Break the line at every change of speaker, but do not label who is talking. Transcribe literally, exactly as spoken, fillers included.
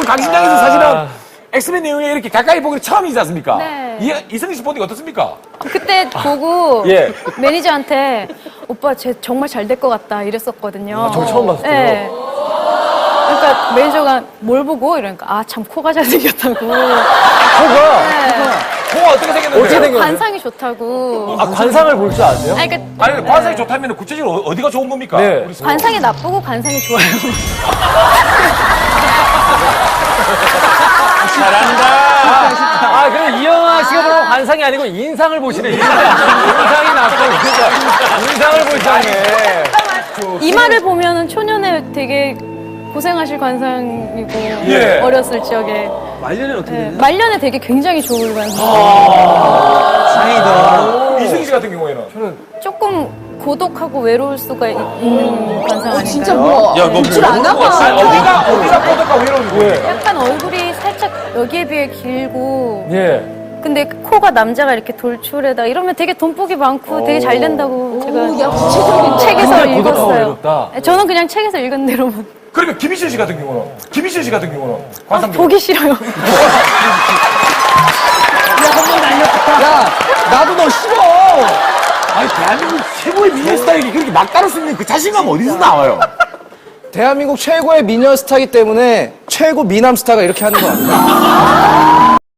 오늘 강신장에서 사실은 엑스맨 내용에 이렇게 가까이 보기는 처음이지 않습니까?
네.
이, 이승기 씨 보니까 어떻습니까?
그때 보고
예.
매니저한테 오빠 쟤 정말 잘 될 것 같다 이랬었거든요.
저 처음 봤을 때요?
네. 그러니까 매니저가 뭘 보고 이러니까 아 참 코가 잘생겼다고.
코가
네.
코가 어떻게 생겼는데?
어떻게 생겼는데?
관상이 좋다고.
아, 관상을 볼 줄 아세요?
아니, 그러니까
아니, 관상이 좋다면 구체적으로 어- 어디가 좋은 겁니까?
네.
우리 서로.
관상이 나쁘고 관상이 좋아요.
아, 그럼 이영아 씨가 보는 관상이 아니고 인상을 보시네, 인상. 인상이 낫고, 그러니까 인상을 보시네.
이마를 보면은 초년에 되게 고생하실 관상이고
예.
어렸을 적에
말년이 어떻게
네,
되냐?
말년에 되게 굉장히 좋을 관상.
다행이다.
이승기 씨 같은 경우에는
조금 고독하고 외로울 수가 있- 있는 관상 아닌가요?
진짜 뭐
야, 너
줄 안
아니,
나가.
어디가 어디가 꼬들까 외로운 거예요?
약간 얼굴이 살짝 여기에 비해 길고
예.
근데 코가 남자가 이렇게 돌출에다 이러면 되게 돈복이 많고 되게 잘 된다고 제가
야, 구체적인
책에서
근데 고독하고
읽었어요.
외롭다.
네, 저는 그냥 책에서 읽은 대로만
그러면 김희철 씨 같은 경우는 김희철 씨 같은 경우는 관상
아, 보기 싫어요.
야, 나도 너 싫어.
아니 대한민국 최고의 미녀 스타일이 그렇게 막 따를 수 있는 그 자신감 어디서 나와요?
대한민국 최고의 미녀 스타이기 때문에 최고 미남 스타가 이렇게 하는 거 아니야?